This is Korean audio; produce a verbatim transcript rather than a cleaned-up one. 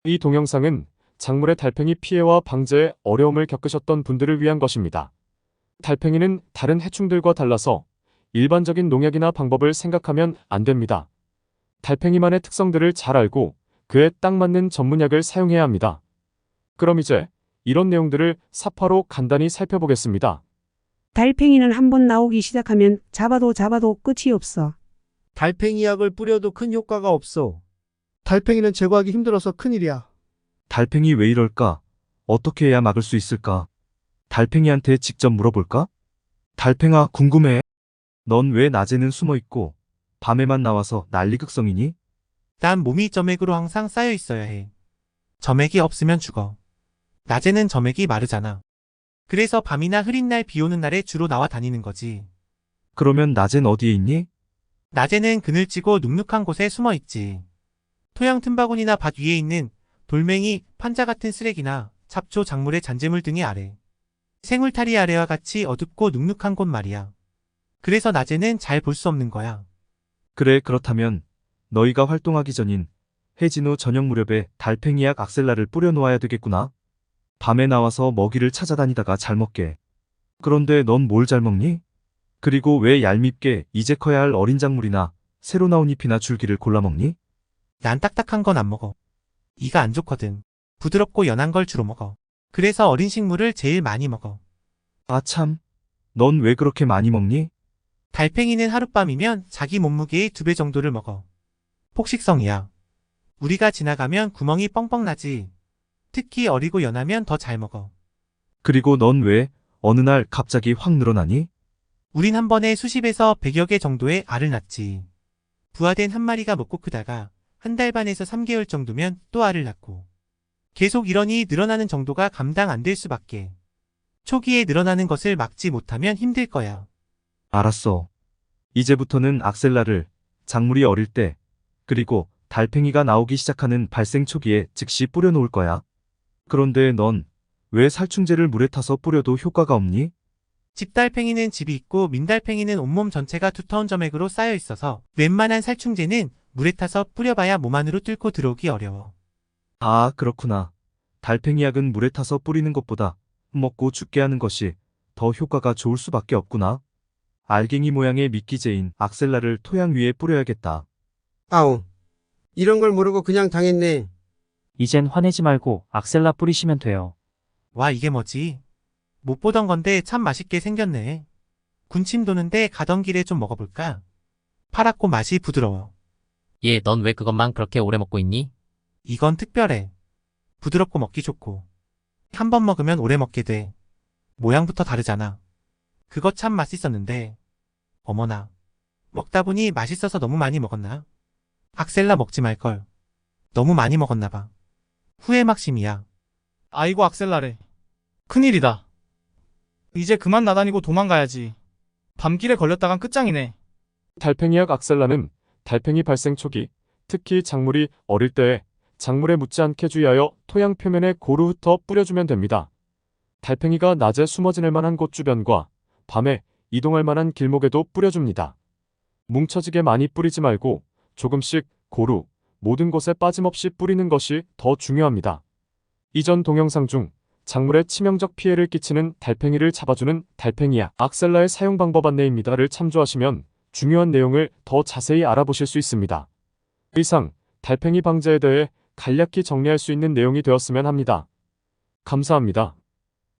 이 동영상은 작물의 달팽이 피해와 방제에 어려움을 겪으셨던 분들을 위한 것입니다. 달팽이는 다른 해충들과 달라서 일반적인 농약이나 방법을 생각하면 안 됩니다. 달팽이만의 특성들을 잘 알고 그에 딱 맞는 전문약을 사용해야 합니다. 그럼 이제 이런 내용들을 사파로 간단히 살펴보겠습니다. 달팽이는 한번 나오기 시작하면 잡아도 잡아도 끝이 없어. 달팽이 약을 뿌려도 큰 효과가 없어. 달팽이는 제거하기 힘들어서 큰일이야. 달팽이 왜 이럴까? 어떻게 해야 막을 수 있을까? 달팽이한테 직접 물어볼까? 달팽아, 궁금해. 넌 왜 낮에는 숨어 있고 밤에만 나와서 난리극성이니? 난 몸이 점액으로 항상 쌓여 있어야 해. 점액이 없으면 죽어. 낮에는 점액이 마르잖아. 그래서 밤이나 흐린 날, 비 오는 날에 주로 나와 다니는 거지. 그러면 낮엔 어디에 있니? 낮에는 그늘지고 눅눅한 곳에 숨어 있지. 토양 틈바구니나 밭 위에 있는 돌멩이, 판자 같은 쓰레기나 잡초, 작물의 잔재물 등의 아래. 생울타리 아래와 같이 어둡고 눅눅한 곳 말이야. 그래서 낮에는 잘 볼 수 없는 거야. 그래, 그렇다면 너희가 활동하기 전인 해진 후 저녁 무렵에 달팽이약 악셀라를 뿌려놓아야 되겠구나. 밤에 나와서 먹이를 찾아다니다가 잘 먹게. 그런데 넌 뭘 잘 먹니? 그리고 왜 얄밉게 이제 커야 할 어린 작물이나 새로 나온 잎이나 줄기를 골라 먹니? 난 딱딱한 건 안 먹어. 이가 안 좋거든. 부드럽고 연한 걸 주로 먹어. 그래서 어린 식물을 제일 많이 먹어. 아 참, 넌 왜 그렇게 많이 먹니? 달팽이는 하룻밤이면 자기 몸무게의 두 배 정도를 먹어. 폭식성이야. 우리가 지나가면 구멍이 뻥뻥 나지. 특히 어리고 연하면 더 잘 먹어. 그리고 넌 왜 어느 날 갑자기 확 늘어나니? 우린 한 번에 수십에서 백여 개 정도의 알을 낳지. 부화된 한 마리가 먹고 크다가 한 달 반에서 삼 개월 정도면 또 알을 낳고. 계속 이러니 늘어나는 정도가 감당 안 될 수밖에. 초기에 늘어나는 것을 막지 못하면 힘들 거야. 알았어. 이제부터는 악셀라를 작물이 어릴 때, 그리고 달팽이가 나오기 시작하는 발생 초기에 즉시 뿌려놓을 거야. 그런데 넌 왜 살충제를 물에 타서 뿌려도 효과가 없니? 집달팽이는 집이 있고 민달팽이는 온몸 전체가 두터운 점액으로 쌓여 있어서 웬만한 살충제는 물에 타서 뿌려봐야 몸 안으로 뚫고 들어오기 어려워. 아, 그렇구나. 달팽이 약은 물에 타서 뿌리는 것보다 먹고 죽게 하는 것이 더 효과가 좋을 수밖에 없구나. 알갱이 모양의 미끼제인 악셀라를 토양 위에 뿌려야겠다. 아우, 이런 걸 모르고 그냥 당했네. 이젠 화내지 말고 악셀라 뿌리시면 돼요. 와, 이게 뭐지? 못 보던 건데 참 맛있게 생겼네. 군침 도는데 가던 길에 좀 먹어볼까? 파랗고 맛이 부드러워. 얘, 넌 왜 그것만 그렇게 오래 먹고 있니? 이건 특별해. 부드럽고 먹기 좋고. 한 번 먹으면 오래 먹게 돼. 모양부터 다르잖아. 그거 참 맛있었는데. 어머나. 먹다 보니 맛있어서 너무 많이 먹었나? 악셀라 먹지 말걸. 너무 많이 먹었나 봐. 후회 막심이야. 아이고 악셀라래. 큰일이다. 이제 그만 나다니고 도망가야지. 밤길에 걸렸다간 끝장이네. 달팽이약 악셀라는 달팽이 발생 초기, 특히 작물이 어릴 때에 작물에 묻지 않게 주의하여 토양 표면에 고루 흩어 뿌려주면 됩니다. 달팽이가 낮에 숨어 지낼 만한 곳 주변과 밤에 이동할 만한 길목에도 뿌려줍니다. 뭉쳐지게 많이 뿌리지 말고 조금씩 고루, 모든 곳에 빠짐없이 뿌리는 것이 더 중요합니다. 이전 동영상 중 작물에 치명적 피해를 끼치는 달팽이를 잡아주는 달팽이약 악셀라의 사용 방법 안내입니다를 참조하시면 중요한 내용을 더 자세히 알아보실 수 있습니다. 이상 달팽이 방제에 대해 간략히 정리할 수 있는 내용이 되었으면 합니다. 감사합니다.